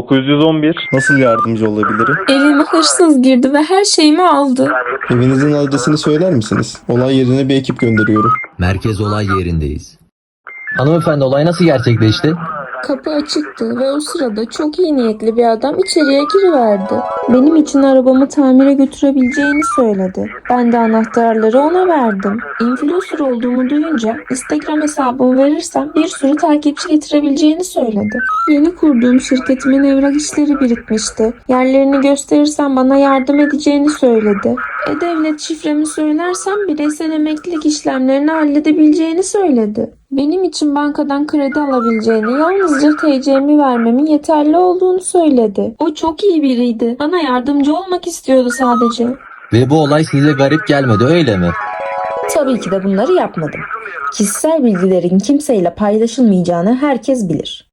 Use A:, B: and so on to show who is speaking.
A: 911.
B: Nasıl yardımcı olabilirim?
C: Evime hırsız girdi ve her şeyimi aldı.
B: Evinizin adresini söyler misiniz? Olay yerine bir ekip gönderiyorum.
D: Merkez olay yerindeyiz. Hanımefendi, olay nasıl gerçekleşti?
C: Kapı açıktı ve o sırada çok iyi niyetli bir adam içeriye giriverdi. Benim için arabamı tamire götürebileceğini söyledi. Ben de anahtarları ona verdim. Influencer olduğumu duyunca Instagram hesabımı verirsem bir sürü takipçi getirebileceğini söyledi. Yeni kurduğum şirketimin evrak işleri birikmişti. Yerlerini gösterirsem bana yardım edeceğini söyledi. E-Devlet şifremi söylersem bireysel emeklilik işlemlerini halledebileceğini söyledi. Benim için bankadan kredi alabileceğini, yalnızca TC'mi vermemin yeterli olduğunu söyledi. O çok iyi biriydi. Bana yardımcı olmak istiyordu sadece.
D: Ve bu olay size garip gelmedi, öyle mi?
E: Tabii ki de bunları yapmadım. Kişisel bilgilerin kimseyle paylaşılmayacağını herkes bilir.